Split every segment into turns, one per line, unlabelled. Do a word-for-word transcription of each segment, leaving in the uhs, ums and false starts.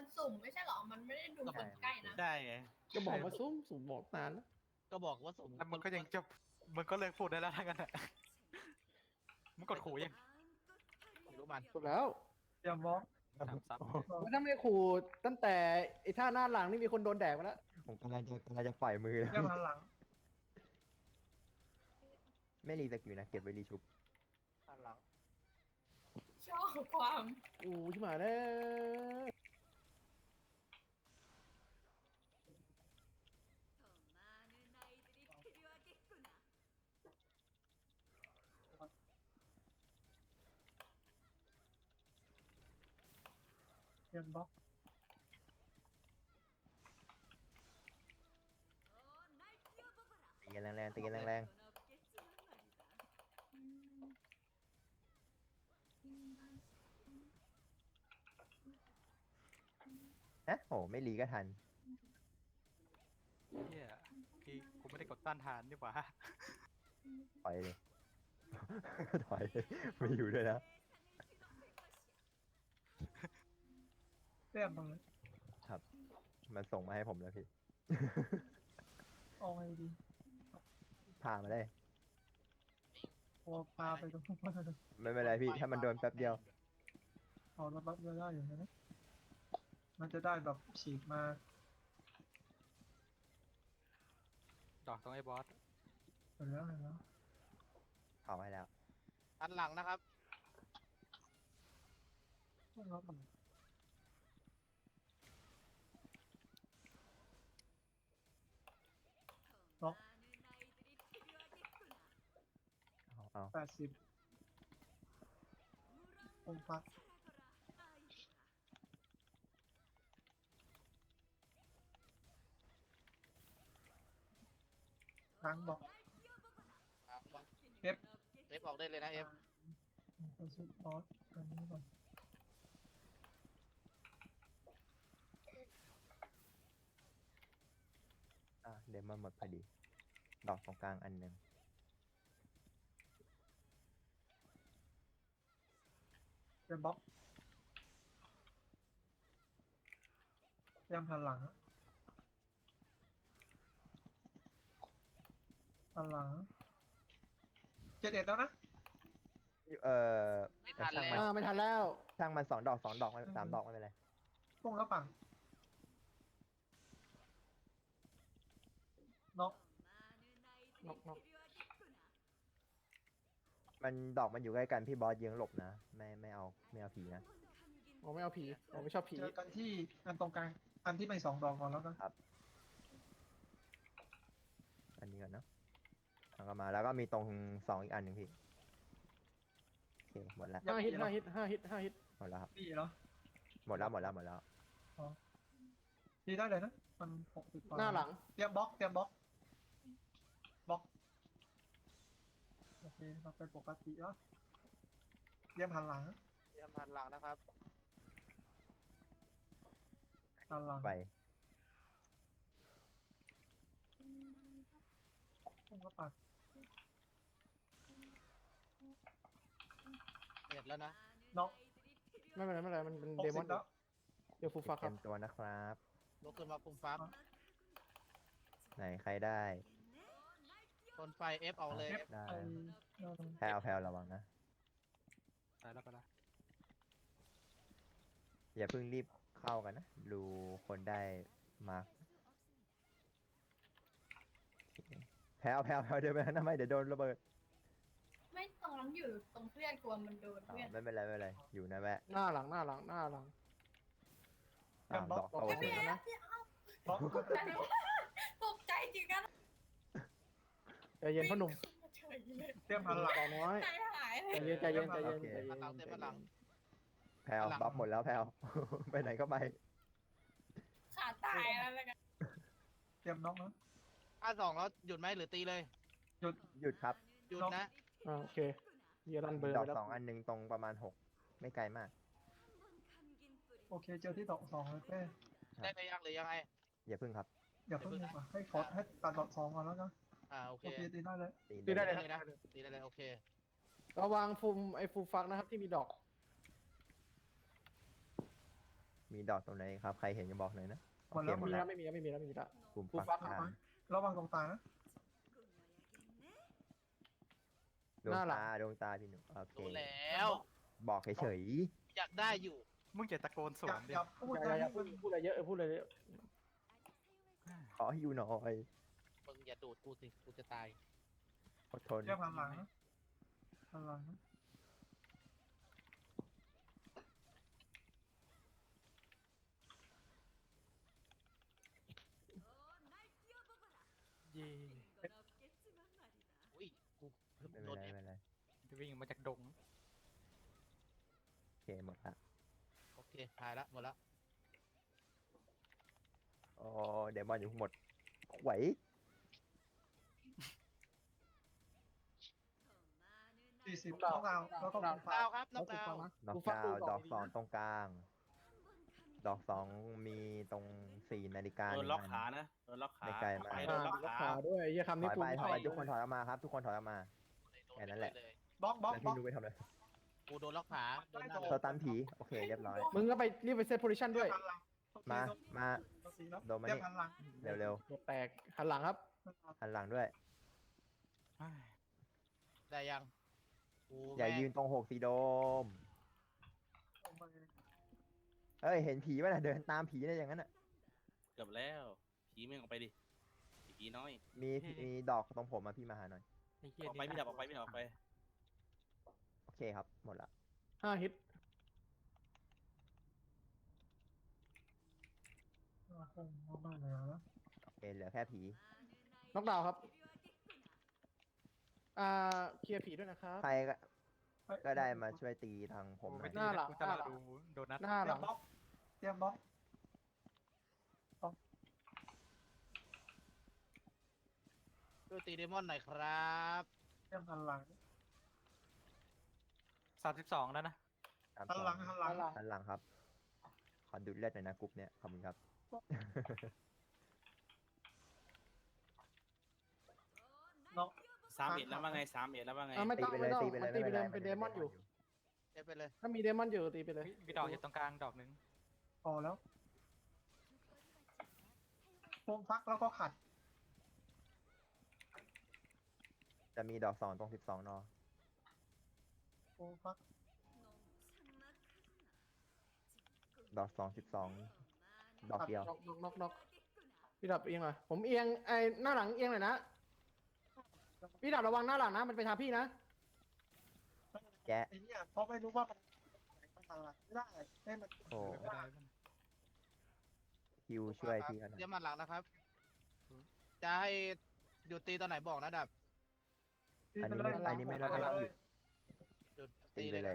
มันสุ่มไม่ใช่หรอมันไม่ได้ดูคนใกล้นะ
ใช่ไง
ก็บอกว่าซุ่มสุ่มบอกนานแล้ว
ก็บอกว่าสุ่ม
แล้วมันก็ยังจะมันก็เลิกพูดได้แล้วทั้งนั้นแหละมันกดขู่ยัง
ไม่รู้มัน
จบแล้ว
เตรียมบล็อก
สามซับ
แล้วถ้าไม่ขู่ตั้งแต่ไอ้ท่าหน้าหลังนี่มีคนโดนแดกไปแล้ว
ผมกำลังจะกำลังจะปล่อยมือแล้ว
เตรียมหันหลัง
ไม่รีสกิลนะเก็บไว้รีชุบ
หันหลัง
ชอบความ
อู้ชิบหายแล้ว
เตรียมบล็อก
ตีกันแรงๆตีกันแรงๆฮะโหไม่รีก็ทัน
เฮียพี่กูไม่ได้กดต้านทานดีกว่า
ถอยเลย ถอยเลยไม่อยู่ด้วยนะ
เตรียมตรงนี้
ครับ มันส่งมาให้ผมแล้วพี่
เอาไงดี
พามาได้
พอปลาไปตรงนู้นก็ได้
ไม่เป็นไรพี่ถ้ามันโดนแป๊บเดียว
เอาแล้วรับได้อยู่นะมันจะได้แบบฉีกมา
ดอกตรงไอ้บอส
เห็นแล้วเห็นแล้ว
เอาให้แล้ว
หันหลังนะครับ
ต้องรับมันบล็อก
เอาเอา
แปดสิบองค์พักล้างบล็อก เอฟ
เอฟออกได้เลยนะเอฟ
ไปชุดบอสอันนี้ก่อน
อ่ะเดมอนหมดพอดี ดอกตรงกลางอันหนึ่ง
เตรียมบล็อกเตรียมหันหลังหันหลังเจ็ดเอ็ดแล้วนะ
เอ่อ
ไม่ทัน
ช่าง
แล้
มัน
อ่าไม่ทันแล้ว
ช่างมันสองดอกสองดอกไม่สามดอกไม่เป็นไร
พุ่งแล้วปั่นน็อก
นกนก
มันดอกมันอยู่ใกล้กันพี่บอสยิงหลบนะ ไม่ไม่เอาไม่เอาผีนะ
ผมไม่เอาผีผมไม่ชอบผี
เจอกันที่อันตรงกลางอันที่ไม่สองดอกก่อนแล้วกัน
อันนี้ก่อนเนาะทางก็มาแล้วก็มีตรงสองอีกอันหนึ่งพี่โอเคหมดแล้ว
ห้าฮิตห้าฮิตห้าฮิตห้าฮิต
หมดแล้วครับ
ดีเหรอ
หมดแล้วหมดแล้วหมดแล้ว
ดีได้เลยนะมันหกสิบ
หน้าหลัง
เตรียมบล็อกเตรียมบล็อกบล็อกโอเคเราเป็นปกติแล้วเตรียมหันหลัง
เตรียมหันหลังนะครับ
หันหลัง
ไป
พุ่งแล้วปั่น
เสร็จแล้วนะ
น็อก
ไม่เป็นไรไม่เป็นไรมันเป็น
หก
เดม
สิ
อน
บแล้ว
เดี๋ยวฟูฟักค
เต็
รับ
มตัวนะครับ
ลุกขึ้นมาปุ่มฟัก
ไหนใครได้
คนไฟเอฟออกเลย
เอฟ
ได้
ไอ
แพลวแพลวระวังนะ
ไปแล้วไปแล้ว
อย่าเพิ่งรีบเข้ากันนะ ดูคนได้มาร์คแพลวแพลวแพลวเดินไปทำไมเดี๋ยวโดนระเบิด
ไม่ตรงนั้นอยู่ตรงเพื่อนกลัวมันโดน
อ๋อ
เพื่อน
ไม่เป็นไรไม่เป็นไรอยู่นะแวะ
หน้าหลังหน้าหลังหน้าหลัง
อ้าวดอกโต
พี่
ขึ้น
แอ
แล้ว
ฟเนี่ยเอา
บล็อก
ตกใจจริงกัน
ใจเย็นพ่อหนุ่ม
เฉยเลย
เตรียมหันหลัง
ต่อน้อย
ใจหายเล
ใจ
ย
เย็นใจเย็นใจเย็น
โอเค
ใจเย็
หัน
น
หลังเต็มหันหลัง
แพลว
หลัง
บัฟหมดแล้วแพลว ไปไหนก็ไป
ขาตายแล้วแล้วกัน
เตรียมน็อกนะ
ถ้าสองแล้วหยุดไหมหรือตีเลย
หยุดครับ
หยุดนะ
อ่าโอเคเยียรันเบอร์
ดอ
ไป
ก
แล้ว
สองอันหนึ่งตรงประมาณหกไม่ไกลมาก
โอเคเจอที่ดอกสองเลยเป้
ได้ไปยังหรือยังไง
อย่าพึ่งครับ
อย่าเพิ่งดีกว่าให้ขอให้ตัดดอกสองก่อนแล้วกัน
อ่าโอเค
โอเคดีได้เลย
ตี
ตีได้เลย
เลยนะตีได้เลยโอเค
ระวังฟูมไอ้ฟูฟักนะครับที่มีดอก
มีดอกตรงไหนครับ ใครเห็นจะบอกหน่อยนะ
หมดแล้ว
โอ
หม
เค
ด
มี
แล้
แล้ว วไม่มีแล้วไม่มีแล้วไม่มีแล้ว
กลุ่ม
กู
ปัก
ฟัก
กลาง
ระวังตรงตานะ
ดวง
หน้าหลัง
ตาดวงตาพี่หนูโอเค
รู้แล้ว
บอกเฉย
อยากได้อยู่
มึงจะตะโกนส
อ
ว
ย่าน
ดิ
อย่าพูด
อย่า
นะ
อย่าพูดพูดอะไรเยอะเออพูดอะไรเยอะ
ๆขออยู่หน่อย
มึงอย่าดูดกูสิ กูจะตาย
อดทน
เรียกหันหลังนะหันหลังนะ
เย่
อุ้ย กู
ไม่
โด
เป็น
น
ไร
เอฟ
ไม่เป็นไร
วิ่งมาจากดง
โอเคหมดละ
โอเคถ่ายละหมดละ
อ๋อเดมอนอยู่หมดไหว
สี่สิบต้องดาวแล้วก็ตรง
ดา
ตาว
ครับน
แล้
อ
ว
ก
กู
ดา
ฟั
ว
งนะ
ดอก
กูฟัก
ดาว
ดู
ดอก
ดี
สอง
ๆนะ
ตรงกลาง ดอกสองมีตรงสี่นาฬิกา
โด
ห
น
นึ่ง
ล็อก
อัน
ขานะโดนล็อกขา
ไม่ไกลมาก
ไป
อ่า
โดนล็อก
รัก
ขา
ษาด้วยไอ้เหี้ยคำ
ถ
นี้
อย
กู
ไป
ไม่
ถ
ช
อ
อย บ
ไปทุกคนถอยออกมาครับ ทุกคนถอยออกมา แค่นั้นแหละ
เลย
บล็อกบล็อก
แล้ว
บล็
พี่
อก
นุ้ยไปทำอะไร
กูโดนล็อกขาโดนหน้า
สตันผีโอเคเรียบร้อย
มึงก็ไปรีบไปเซตโพซิชันด้วย
หันหลัง
มา มา โดนมา
เรีย
นี่
กหันหลัง
เร็ว
หัวแตกหันหลังครับ
ๆหันหลังด้วย
ได้ยังกู
อย่า
แม่ง
ยืนตรงหกสีโดม เอ้ย เห็นผีป่ะน่ะ เดินตามผีได้อย่างนั้นน่ะ
เกือบแล้วผีแม่งออกไปดิผีน้อย
มีมีดอกตรงผมมาพี่มาหาหน่อย
ไอ้เหี้ย
ออกไปไม่ดับออกไปไม่ดับออกไป
โอเคครับ หมดละ
ห้าฮิต
คงมากเลยนะ
โอเค เหลือแค่ผี
น็อกดาวน์ครับ อ่าเคลียร์ผีด้วยนะครับ
ใครก็ก็ได้มาช่วยตีทางผมหน่อย
หน้าหลัง
กูจะรอดูโดนัท
หน้า
เต
ห
รี
ลั
ยม
ง
บล็อกเตรียมบล็อก
ช่วยตีเดมอนหน่อยครับ
เตรียมหันหลัง
สามสิบสองแล้วนะ
ตาม
หัน
ต่อ
หลังหันหลัง
หันหลังครับ ขอดูดเลือดหน่อยนะกรุ๊ปเนี้ยขอบคุณครับ
น้อง
สามเอ็ดแล้วว่าไงสามเอ็ดแล้วว่าไง
อ่าไม่
ตี
ต้อง
ไปเล
ไม่
ย
ต้อง
ตีไปเลย
มันตีไป
ไม่
เลย
เป็นไร
เป็นเดมอนอยู่
เอฟไปเลย
ถ้ามีเดมอนอยู่ตีไปเลย
มีดอกอยู่ตรงกลางดอกหนึ่ง
พอแล้วโฟมฟักแล้วก็ขัด
จะมีดอกสองตรงสิบสองนอ
โฟมฟัก
ดอกสองสิบสองดอกเดียว
น็อกน็อกน็อกน็อกพี่ดับเอียงหน่อยผมเอียงไอ้หน้าหลังเอียงหน่อยนะพี่ดับระวังหน้าหลังนะมันไปทางพี่นะ
แกะ
ไอ้เนี่ยเพราะไม่รู้ว่ามันมันหันหลังไม่ได้ให้มัน
โอ้
ไม่ได้
คิวช่วยพี่เขาหน่อย
เดี๋ยวมันหลังนะครับ จะให้หยุดตีตอนไหนบอกนะดับ
อันนี้ไม่อันนี้ไม่ได้
หันหลัง
หยุด
หยุด
ตี
ตี
ไป
เลย
เล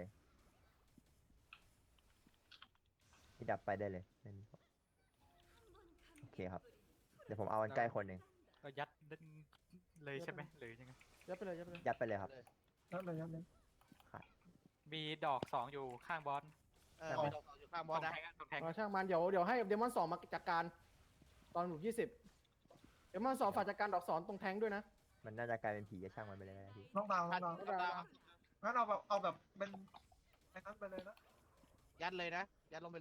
นะ
ยพี่ดับไปได้เลยไม่มีโอเคครับ เดี๋ยวผมเอาอันใกล้คนหนึ่ง
ก็ยัดเลยใช่ไหมหรือยังไง
ยัดไปเลยยัดไปเลย
ยัดไปเลยครับ
นั่นเลยนั่นเลย
มีดอกสองอยู่ข้างบอส
เออมีดอกสองอยู่ข้างบ
ต
อ
ร
ส
ง
นะ
แทงอะตรงแทง
เอาช่างมันเดี๋ยวเดี๋ยวให้เดมอนสองมาจัดการ ตอนหลุมยี่สิบเดมอนสองฝากจัดการดอกสอนตรงแทงด้วยนะ
มันน่าจะกลายเป็นผีจะช่างมันไปเลยนะพี่
น้องดาวน้
พั
อน งดาว
ดาวครับ
งั้นเอาแบบเอาแบบเป็นไอ้นั้นไปเลยนะ
ยัดเลยนะ ยัดลงไปเลย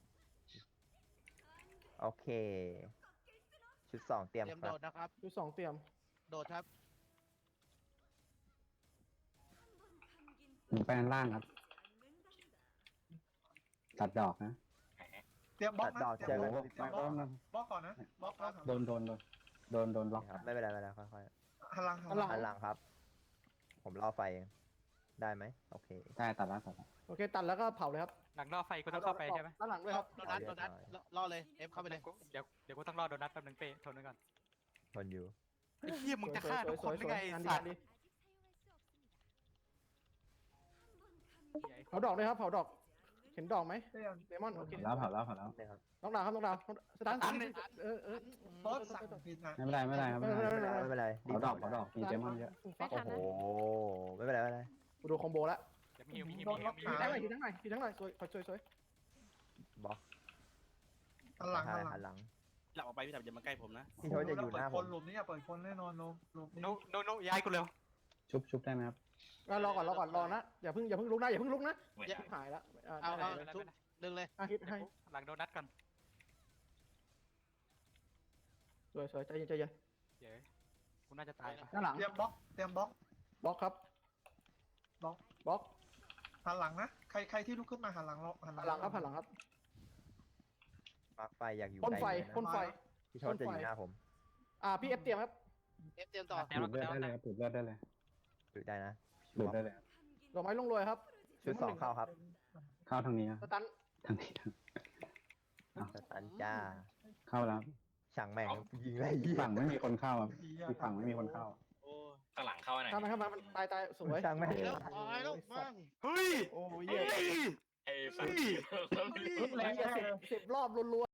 โอเค ชุดสองเตรียม
เตรียม
ครั
โด
บ
ดนะครับ
ดูสองเตรียม
โดดครับ
ผมไปด้านล่างครับ ตัดดอกนะ
เตรียมบล็อก
ตัด
นะ
ดอก
เตรีย
เจ
ม
อบ
ล็
กั
อน ก
สิบ
เต
ส
รี
อย ง
มบล็อกบล็อกก่อนนะบล็อกแล้ว
โดนโดนโดนโดนโดนล็อก
ครับไม่เป็นไรไม่เป็นไรค่อย
หันหลัง
หันหลัง
ๆหันหลังครับ ผมรอไฟเองได้ไหมโอเค
ได้ตัดแล้วตัดแล้ว
โอเคตัดแล้วก็เผาเลยครับ
หลังรอบไฟกูต้องเข้าไปใช่ไหม
ด้านหลังด้วยครับ
โดนัทโดนัทล่อเลย เอฟเข้าไปเลย
เดี๋ยวเดี๋ยวกูต้องรอโดนัทแป๊บนึงเป้ทนไว้ก่อน
ทนอยู่
ไอ้เหี้ยมึงจะฆ่าทุกคน
ส
ได้
วย
ไง
ๆ
ไอ้
งานดี
สั
งา
ต
น
ว์
ดี
เหี้ยไอ้
เผาดอกด้วยครับเผาดอก เห็นดอกไหม
เตรียม
เดมอนโอเค
แล้วเผาแล้วเผาแล้ว
นี่ครับ
น้องดาวครับน้องดาวสตาร์ทเออเออ
บล็อกสั่งผิดนะ
ไม่เป็นไรไม่เป็นไรครับไม่เป็นไร
ไม่เป็นไรไม่เป็นไร
เผาดอกเผาดอกมีเจมอนเยอะ
ฟัก
โอ้โหไม่เป็นไรไม่เป็นไร
กูดูคอมโบแล้ว
เดี๋ยวมีฮิวมีฮิวมีฮิวมีฮิ
ที
ว
ทั้งหน่อยทีทั้งหน่อยทีทั้งหน่อยสวยสวยสวย
บล็อก
หันหลังหันหลั
หั
ง
นหลัง
หลับออกไปพี่ดับอย่ามาใกล้ผมนะ
พี่โทษจะอยู่หน้าผ
ค
ม
นหลุมนี้อย่าเปิดคนแน่นอนลงหลุมนี้
โนโนโนย้ายกูเร็ว
ชุบชุบได้ไหมครับ
รอก่อนรอก่อนรอนะอย่าเพิ่งอย่าเพิ่งลุกนะอย่าเพิ่งลุกนะ
อย่า
หายแล้ว
เอาเอา
ได้
ทุบดึงเลย
อาฮิตให้
หลังโดนัทก่อน
สวยสวยใจเย็นใจเย็น
เย้กูน่าจะตายปะ
หน้าหลัง
เตรียมบล็อกเตรียมบล็อก
บล็อกครับ
บล็อก
บล็อก
หันหลังนะใครใครที่ลุกขึ้นมาหันหลังเราหัน
หันหลังครับหันหลังครับ
มาร์คไฟอยากอยู่
พ่นไฟ
ใกล้
พ่นไฟ
พี่ชดจะอยู่หน้าผม
อ่าพี่เอฟเตรียมครับ
เอฟเตรียมต่อ
ดูดเลือดได้เลยครับดูดเลือดได้เลย
ดูได้นะ
ดูดได้เลยครับ
ดอกไม้ลงรวยครับ
ชุดสองเข้าครับ
เข้าทางนี้นะ
สตัน
ทางนี้ทาง
สตันจ้า
เข้าแล้ว
ช่างแม่งยิงไรเหี้ย
ฝั่งไม่มีคนเข้าครับที่ฝั่งไม่มีคนเข้า
โอ้ข้างหลังเข้าไหน
ทำไมทำไมมันตายตายสวย
ช่างแม่ง
แล้วตายแล้วมั่ง
เฮ้ย
โอ้ยเหี้ย
ไอ้สัตว์
แรงสิบสิบรอบรัว